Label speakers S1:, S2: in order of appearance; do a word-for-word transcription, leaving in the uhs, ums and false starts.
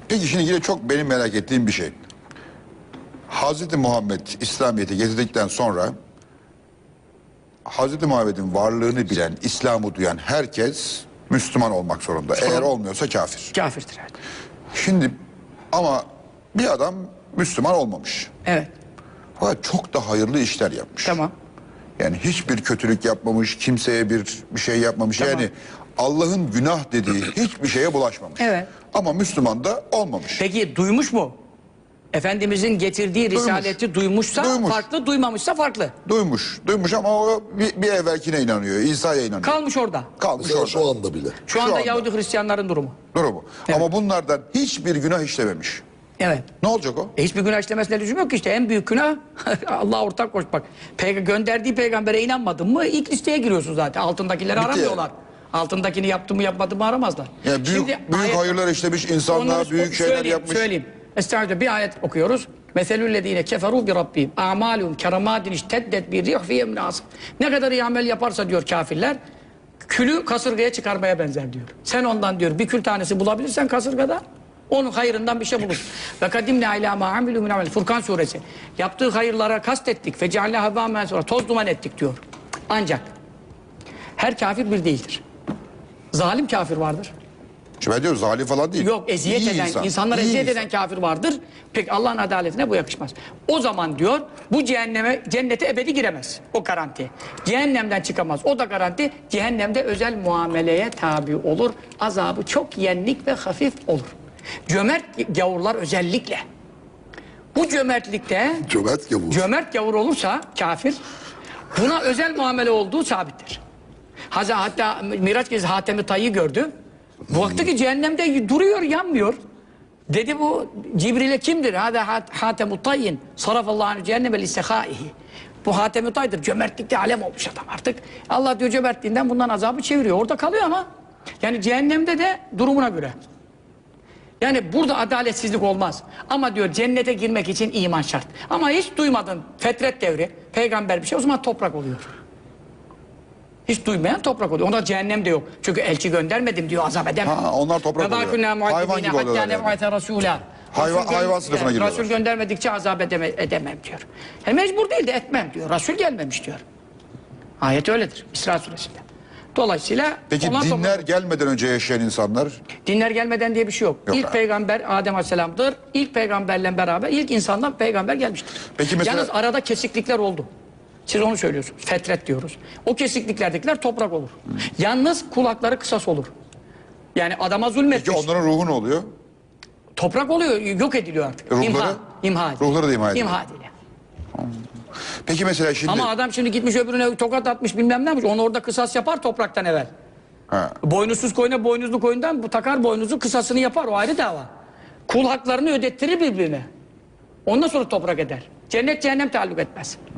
S1: Peki şimdi yine çok benim merak ettiğim bir şey. Hazreti Muhammed İslamiyet'i getirdikten sonra Hazreti Muhammed'in varlığını bilen, İslam'ı duyan herkes Müslüman olmak zorunda.
S2: Sonra,
S1: Eğer olmuyorsa kafir.
S2: Kafirdir. Evet.
S1: Şimdi ama bir adam Müslüman olmamış.
S2: Evet.
S1: Fakat çok da hayırlı işler yapmış.
S2: Tamam.
S1: Yani hiçbir kötülük yapmamış, kimseye bir bir şey yapmamış.
S2: Tamam.
S1: Yani Allah'ın günah dediği hiçbir şeye bulaşmamış.
S2: Evet.
S1: Ama Müslüman da olmamış.
S2: Peki duymuş mu? Efendimizin getirdiği
S1: Duymuş.
S2: risaleti duymuşsa
S1: Duymuş.
S2: farklı, duymamışsa farklı.
S1: Duymuş, duymuş ama o bir, bir evvelkine inanıyor, İsa'ya inanıyor.
S2: Kalmış orada.
S1: Kalmış
S3: Mesela
S1: orada.
S3: şu anda bile.
S2: Şu anda
S1: anda.
S2: Yahudi Hristiyanların durumu.
S1: Durumu. Ama bunlardan hiçbir günah işlememiş.
S2: Evet.
S1: Ne olacak o?
S2: E hiçbir günah işlemesine lüzum yok ki işte. En büyük günah Allah'a ortak koşmak. Peyg gönderdiği peygambere inanmadın mı ilk listeye giriyorsun zaten. Altındakileri
S1: Bitti
S2: aramıyorlar.
S1: yani.
S2: Altındakini yaptı mı yapmadı mı aramazlar.
S1: Yani büyük,
S2: Şimdi
S1: büyük
S2: ayet-
S1: hayırlar işlemiş insanlar,
S2: Onları
S1: büyük şeyler
S2: söyleyeyim,
S1: yapmış.
S2: Söyleyeyim. Estağfurullah bir ayet okuyoruz. Meselüllezine keferu bi rabbihim a'malun keramadin işteddet bir rih fi yemin asif. Ne kadar iyi amel yaparsa diyor kafirler külü kasırgaya çıkarmaya benzer diyor. Sen ondan diyor bir kül tanesi bulabilirsen kasırgada onun hayırından bir şey bulursun. Ve kadimne ilâ mâ amilû min amel. Furkan suresi. Yaptığı hayırlara kastettik. Fecealne habâ mensûrâ. Toz duman ettik diyor. Ancak her kafir bir değildir. Zalim kafir vardır.
S1: Şimdi ben diyorum zalim falan değil.
S2: Yok eziyet
S1: İyi
S2: eden,
S1: insan,
S2: insanlara
S1: iyi
S2: eziyet
S1: insan.
S2: eden kafir vardır. Peki Allah'ın adaletine bu yakışmaz. O zaman diyor bu cehenneme, cennete ebedi giremez. O garanti. Cehennemden çıkamaz. O da garanti. Cehennemde özel muameleye tabi olur. Azabı çok yenlik ve hafif olur. Cömert gavurlar özellikle. Bu cömertlikte
S3: Cömert gavur.
S2: cömert gavur olursa kafir buna özel muamele olduğu sabittir. Haza, hatta Miraç Gezi Hatem-i Tay'ı gördü. Baktı ki cehennemde duruyor, yanmıyor. Dedi bu Cibril'e kimdir? Hada Hatem-i Tay'in sarafallahu cehenneme lissehaihi. Bu Hatem-i Tay'dır. Cömertlikte alem olmuş adam artık. Allah diyor cömertliğinden bundan azabı çeviriyor. Orada kalıyor ama yani cehennemde de durumuna göre. Yani burada adaletsizlik olmaz. Ama diyor cennete girmek için iman şart. Ama hiç duymadın fetret devri, peygamber bir şey o zaman toprak oluyor. Hiç duymayan toprak oluyor. Onda cehennem de yok. Çünkü elçi göndermedim diyor azap edemem.
S1: Ha, onlar toprak oluyor. Hayvan gibi oluyorlar yani. Hayvan- hayvan sınıfına giriyorlar.
S2: Resul göndermedikçe azap edeme, edemem diyor. He, mecbur değil de etmem diyor. Resul gelmemiş diyor. Ayet öyledir. İsra suresinde. Dolayısıyla
S1: Peki
S2: onlar
S1: dinler
S2: toprak-
S1: gelmeden önce yaşayan insanlar
S2: Dinler gelmeden diye bir şey yok.
S1: Yok
S2: ilk
S1: abi.
S2: peygamber Adem Aleyhisselam'dır. İlk peygamberle beraber ilk insandan peygamber gelmiştir.
S1: Peki mesela-
S2: Yalnız arada kesiklikler oldu. Siz onu söylüyorsunuz. Fetret diyoruz. O kesikliklerdekiler toprak olur. Yalnız kulakları kısas olur. Yani adama zulmetmiş.
S1: Peki onların ruhu ne oluyor?
S2: Toprak oluyor, yok ediliyor artık.
S1: Ruhları?
S2: İmha. İmha.
S1: Ruhları da imha ediliyor.
S2: İmha ediliyor.
S1: Peki mesela şimdi
S2: Ama adam şimdi gitmiş öbürüne tokat atmış bilmem ne yapmış. Onu orada kısas yapar topraktan evvel.
S1: ha,
S2: Boynuzsuz koyuna boynuzlu koyundan bu takar boynuzu kısasını yapar. O ayrı dava. Kul haklarını ödettirir birbirine. Ondan sonra toprak eder. Cennet cehennem taalluk etmez.